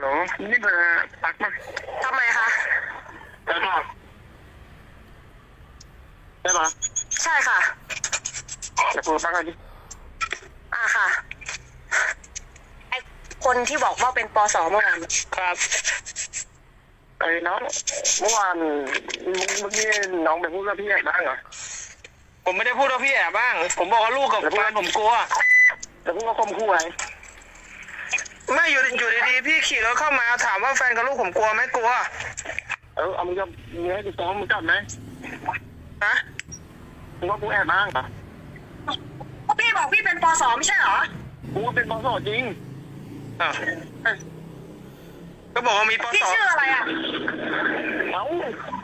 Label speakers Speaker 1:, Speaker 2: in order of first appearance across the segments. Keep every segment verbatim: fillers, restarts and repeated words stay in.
Speaker 1: โหลนี่เบอร์ปักมา
Speaker 2: ทำไมคะ
Speaker 1: ใช่ป่ะใช่ป่ะ
Speaker 2: ใช่ค่ะ
Speaker 1: จะพูดปักอะไรดิ
Speaker 2: อ่าค่ะไอคนที่บอกว่าเป็นปสเมื่อวาน
Speaker 1: ครับไอ้น้องเมื่อวานเมื่อกี้น้องไปพูดกับพี่แอบบ้างเหรอ
Speaker 3: ผมไม่ได้พูดว่าพี่แอบบ้างผมบอกว่าลูกกับแฟนผมกลัว
Speaker 1: แต่พูดว่าคมคู่ไง
Speaker 3: ไม่อยู่อยู่ดีๆพี่ขี่รถเข้ามาถามว่าแฟนกับลูกผมกลัวไหมกลัว
Speaker 1: เออเอามึงจะมึงให้กูซ้อมมึงจับไหม
Speaker 3: ฮะ
Speaker 1: มึงว่ากูแอบบ้างเหรอ
Speaker 2: พี่บอกพี่เป็นปสไม่ใช่เหรอ
Speaker 1: กูว่าเป็นปสจริง
Speaker 3: อ่ะก็บอกว่ามีปส
Speaker 2: พี่ชื่ออะไรอ่ะ
Speaker 1: เอ้า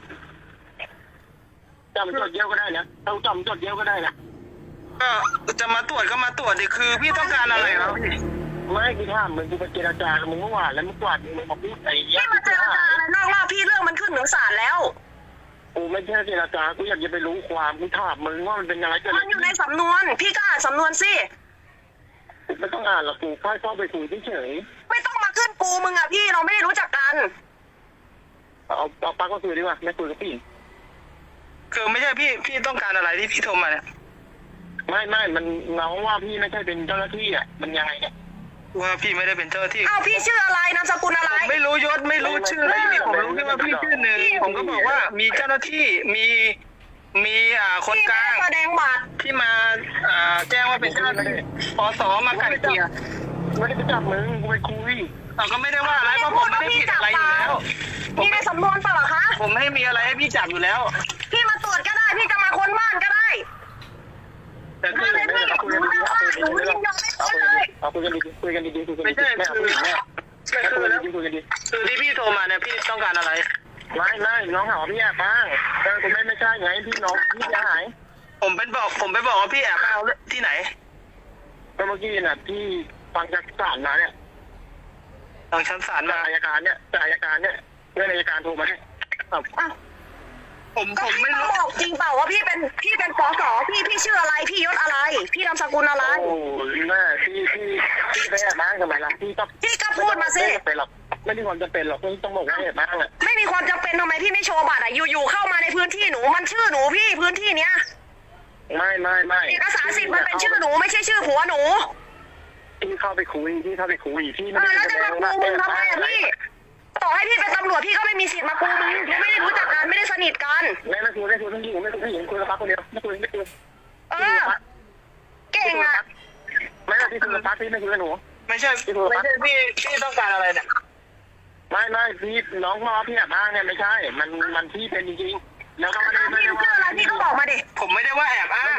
Speaker 1: จำจดเดียวก็ได้นะเราจำจดเดียวก็ได้นะ
Speaker 3: ก็จะมาตรวจก็มาตรวจดิคือพี่ต้องการอะไรครับ
Speaker 1: ไม่กูถามมึงกูไปเจรจากับมึงเมื่อวานแล้วมึงกวาดมึงมาพูดไอ้
Speaker 2: ยักษ์มาเจรจาอะไรนอกรอบพี่เรื่องมันขึ้นถึงศาลแล้ว
Speaker 1: กูไม่ใช่เจรจากูอยากจะไปรู้ความกูถามมึงว่ามันเป็นยังไงกัน
Speaker 2: มันอยู่ในสำนวนพี่ก็อ่านสำนวนสิ
Speaker 1: ไม่ต้องอ่านหรอกกูแค่เข้าไปคุยเฉย
Speaker 2: ไม่ต้องมาขึ้นกูมึงอ่ะพี่เราไม่ได้รู้จักกัน
Speaker 1: เอาเอาปากก็คุยดีกว่าไม่คุยกับพี่
Speaker 3: คือไม่ใช่พี่พี่ต้องการอะไรที่พี่โทรมาเนี่ย
Speaker 1: ไม่ไม่มันน้องว่าพี่ไม่ใช่เป็นเจ้าหน้าที่อ่ะมันยังไงเนี่ย
Speaker 3: ว่าพี่ไม่ได้เป็นเจ้าหน้าที่
Speaker 2: อ้าวพี่ชื่ออะไรนามสกุลอะไร
Speaker 3: ไม่รู้ยศไม่รู้ชื่ออะไรพี่ผมรู้แค่ว่าพี่ชื่อหนึ่งผมก็บอกว่ามีเจ้าหน้าที่มีมีอ่าคนกลาง
Speaker 2: แสดงบัตร
Speaker 3: ที่มาอ่าแจ้งว่าเป็นเจ้าหน้าที่ปสมาไกลเกลี่ย
Speaker 1: ไม่ได้ไปจับมึงกูไปคุย
Speaker 3: เราก็ไม่ได้ว่าอะไรเพราะผมไม่ได้ผิดอะไรอยู่แล้ว
Speaker 2: พี่ในสำนวนเปล่าคะ
Speaker 3: ผมไม่มีอะไรให้พี่จับอยู่แล้ว
Speaker 2: พี่มาตรวจก็ได้พี่จะมาค้นบ้านก็ได้
Speaker 1: แต่คือไม่ได้คุยกันดีๆคุยกันดีๆเอาคุยกันดีๆคุยกันดีๆคุยกันดีๆไม่ใช่คือ
Speaker 3: คือแล้วคือที่พี่โทรมาเนี่ยพี่ต้องการอะไร
Speaker 1: ไม่ไม่น้องหาพี่แอบบ้างแต่ผมไม่ไม่ใช่ไงพี่น้องพี่จะหาย
Speaker 3: ผมเป็นบอกผมไปบอกว่าพี่แอบเอาที่ไหน
Speaker 1: เมื่อกี้น่ะพี่ฟังจากศาลมาเนี่ย
Speaker 3: ทางชั้นศาลมา
Speaker 1: อัยการเนี่ยจากอัยการเนี่ยเรื่องอัยการโทรมาเนี่ย
Speaker 3: ผมผมไม่รู้
Speaker 2: บอกจริงเปล่าว่าพี่เป็นพี่เป็นปสพี่พี่ชื่ออะไรพี่ยศอะไรพี่นามสกุลอะไร
Speaker 1: โอ้แม่พี่พี่พี่ไปแอบบ้างทำไมล่ะพี่ก็
Speaker 2: พี่ก็พูดมาสิ
Speaker 1: ไม่หรอกไม่มีความจำเป็นหรอกต้องบอกว่าแอบบ้างอ่ะ
Speaker 2: ไม่มีความจำเป็นทำไมพี่ไม่โชว์บัตรอ่ะอยู่ๆเข้ามาในพื้นที่หนูมันชื่อหนูพี่พื้นที่เนี้ย
Speaker 1: ไม่ไม่ไม่
Speaker 2: เอกสารสิทธิ์มันเป็นชื่อหนูไม่ใช่ชื่อผัวหนู
Speaker 1: พี่เข้าไปคุยพี่เข้าไปคุยพี่
Speaker 2: ไม่ได้แสดงว่ามึงทำไมอ่ะพี่ต่อให้พี่เป็นตำรวจพี่ก็ไม่มีสิทธิ์มากูมึงไม่ได้รู้จักกันไม่ได้สนิทกัน
Speaker 1: ไม่ไม่คุยไม่คุยทั้งที่ไม่คุยทั้งที่คุยกับพักคนเดียวไม่คุยไม่คุย
Speaker 2: เออเก่งอ่ะ
Speaker 1: ไม่ไม่พี่คุยกับพักพี่ไม่คุยกับหนู
Speaker 3: ไม่ใช่ไม่ใช่พี่พี่ต้องการอะไรเนี่ย
Speaker 1: ไม่ไม่พี่น้องพ่อพี่แอบอ้างเนี่ยไม่ใช่มันมันพี่เป็นจริงๆแล้วก็ไม่ได้ไม่ได้
Speaker 2: ว่าอะไรพี่ก็บอกมาดิ
Speaker 3: ผมไม่ได้ว่าแอบอ้าง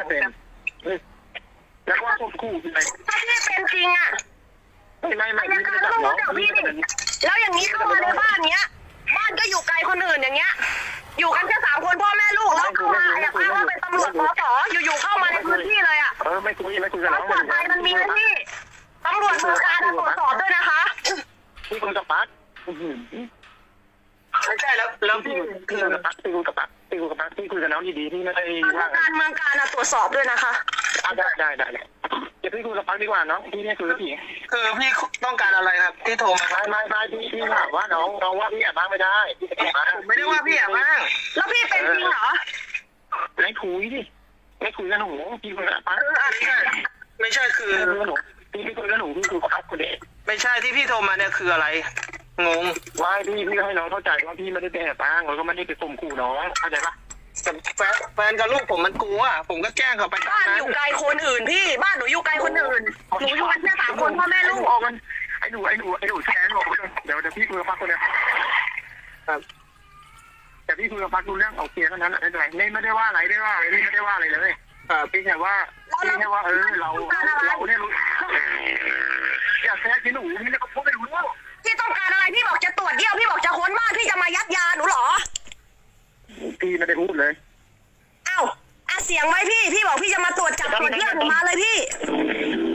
Speaker 1: แล้วว่าควบคู่อะไร
Speaker 2: ถ้าพี่เป็นจริงอ่ะ
Speaker 1: ไม่ไม่ไม่พี่ไม่ได้จับน้อง
Speaker 2: แล้วอย่างนี้เข้ามาในบ้านเนี้ยบ้านก็อยู่ไกลคนอื่นอย่างเงี้ยอยู่กันแค่สามคนพ่อแม่ลูกแล้วเข้ามาอยากอ้างว่าเป็นตำรวจปสอยู่ๆเข้ามาในพื้นที่เลยอ่ะ
Speaker 1: เออไม่คุยไม่คุยกับน้อง
Speaker 2: มันใจมันมีนะพี่ตำรวจมือการตรวจสอบด้วยนะคะ
Speaker 1: พี่คุยกับปั๊ก
Speaker 3: ไม่ใช่แล้วแล้วพี่
Speaker 1: คุยกับปั๊กพี่คุยกับปั๊กพี่คุยกับปั๊กพี่คุยกับน้องดีๆพี่ไม่ได้
Speaker 2: ว่าการเมืองการตรวจสอบด้วยนะคะ
Speaker 1: ได้ได้ได้เดี๋ยวพี่คุยกับปั๊กดีกว่าน้องพี่เนี่ยคุยกับพี่
Speaker 3: คือพี่ต้องการอะไรครับที่โทรมา
Speaker 1: ไม่ไม่ไม่พี่พี่ถามว่าน้องน้องว่าพี่แอบบ้างไม่ได้
Speaker 3: ผมไม่ได้ว่าพี่แอบบ้าง
Speaker 2: แล้วพี่เป็นจริงเหรอ
Speaker 1: ไม่คุยดิไม่คุยกับหนูพี่คุยกับปั๊ก
Speaker 3: ไม่ใช่คือ
Speaker 1: หนูพี่พี่คุยกับหนูพี่คุยกับปั๊กคนเดียว
Speaker 3: ไม่ใช่ที่พี่โทรมาเนี่ยคืออะไรงง
Speaker 1: ว่าพี่พี่ให้น้องเข้าใจว่าพี่ไม่ได้ไปแอบบ้างแล้วก็ไม่ได้ไปข่มขู่น้องเข้าใจปะ
Speaker 3: แฟนแฟนกับลูกผมมันกลัวผมก็แจ้งเขาไป
Speaker 2: บ้านอยู่ไกลคนอื่นพี่บ้านหนูอยู่ไกลคนอื่นหนูอยู่กันแค่สามคนพ่อแม่ลูก
Speaker 1: ออกกันไอ้หนูไอ้หนูไอ้หนูแชร์บอกเดี๋ยวเดี๋ยวพี่คุยกับปั๊กคนเดียวครับแต่พี่คุยกับปั๊กดูเรื่องโอเคเท่านั้นไม่เป็นไรไม่ไม่ได้ว่าอะไรได้ว่าอะไรพี่ไม่ได้ว่าอะไรเลยอ่าพี่แค่ว่าพี่แค่ว่าเออเราเราเนี่ยรู้อยากแทรกที่หนูนี่เนี่ยก็พูดไม่รู้
Speaker 2: พี่ต้องการอะไรพี่บอกจะตรวจเยี่ยวพี่บอกจะค้นบ้านพี่จะมายัดยาหนูเหรอ
Speaker 1: พี่ไม่ได้พูดเลย
Speaker 2: เอ้าอ่ะเสียงไว้พี่พี่บอกพี่จะมาตรวจจับตรวจเยี่ยวหนูมาเลยพี่